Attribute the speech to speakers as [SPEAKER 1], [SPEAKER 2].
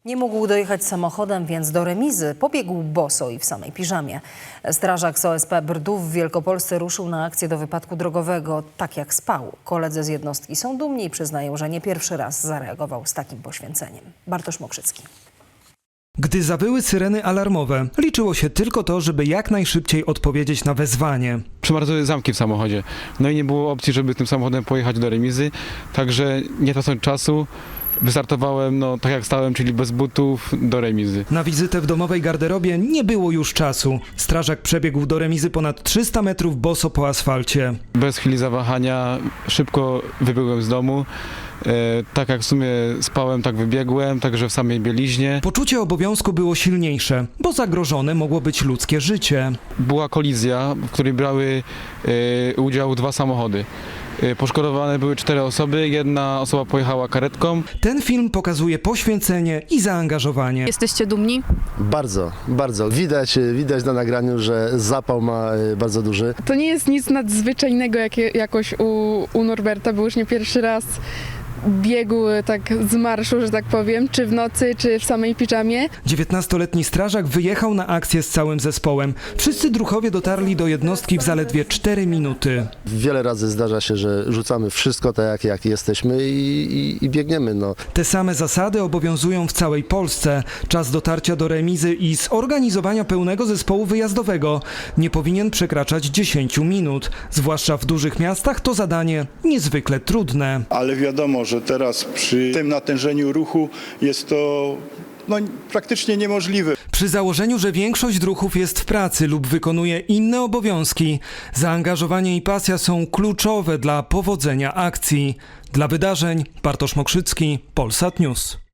[SPEAKER 1] Nie mógł dojechać samochodem, więc do remizy pobiegł boso i w samej piżamie. Strażak z OSP Brdów w Wielkopolsce ruszył na akcję do wypadku drogowego tak jak spał. Koledzy z jednostki są dumni i przyznają, że nie pierwszy raz zareagował z takim poświęceniem. Bartosz Mokrzycki.
[SPEAKER 2] Gdy zawyły syreny alarmowe, liczyło się tylko to, żeby jak najszybciej odpowiedzieć na wezwanie.
[SPEAKER 3] Przemarzły zamki w samochodzie, no i nie było opcji, żeby tym samochodem pojechać do remizy, także nie tracąc czasu, wystartowałem, tak jak stałem, czyli bez butów, do remizy.
[SPEAKER 2] Na wizytę w domowej garderobie nie było już czasu. Strażak przebiegł do remizy ponad 300 metrów boso po asfalcie.
[SPEAKER 3] Bez chwili zawahania szybko wybiegłem z domu. Tak jak w sumie spałem, tak wybiegłem, także w samej bieliźnie.
[SPEAKER 2] Poczucie obowiązku było silniejsze, bo zagrożone mogło być ludzkie życie.
[SPEAKER 3] Była kolizja, w której brały udział 2 samochody. Poszkodowane były 4 osoby, 1 osoba pojechała karetką.
[SPEAKER 2] Ten film pokazuje poświęcenie i zaangażowanie.
[SPEAKER 4] Jesteście dumni?
[SPEAKER 5] Bardzo, bardzo. Widać na nagraniu, że zapał ma bardzo duży.
[SPEAKER 6] To nie jest nic nadzwyczajnego jakoś u Norberta, bo już nie pierwszy raz biegł tak z marszu, że tak powiem, czy w nocy, czy w samej piżamie.
[SPEAKER 2] 19-letni strażak wyjechał na akcję z całym zespołem. Wszyscy druhowie dotarli do jednostki w zaledwie 4 minuty.
[SPEAKER 5] Wiele razy zdarza się, że rzucamy wszystko tak jak jesteśmy i biegniemy.
[SPEAKER 2] Te same zasady obowiązują w całej Polsce. Czas dotarcia do remizy i zorganizowania pełnego zespołu wyjazdowego nie powinien przekraczać 10 minut. Zwłaszcza w dużych miastach to zadanie niezwykle trudne.
[SPEAKER 7] Ale wiadomo, że teraz przy tym natężeniu ruchu jest to praktycznie niemożliwe.
[SPEAKER 2] Przy założeniu, że większość druhów jest w pracy lub wykonuje inne obowiązki, zaangażowanie i pasja są kluczowe dla powodzenia akcji. Dla wydarzeń Bartosz Mokrzycki, Polsat News.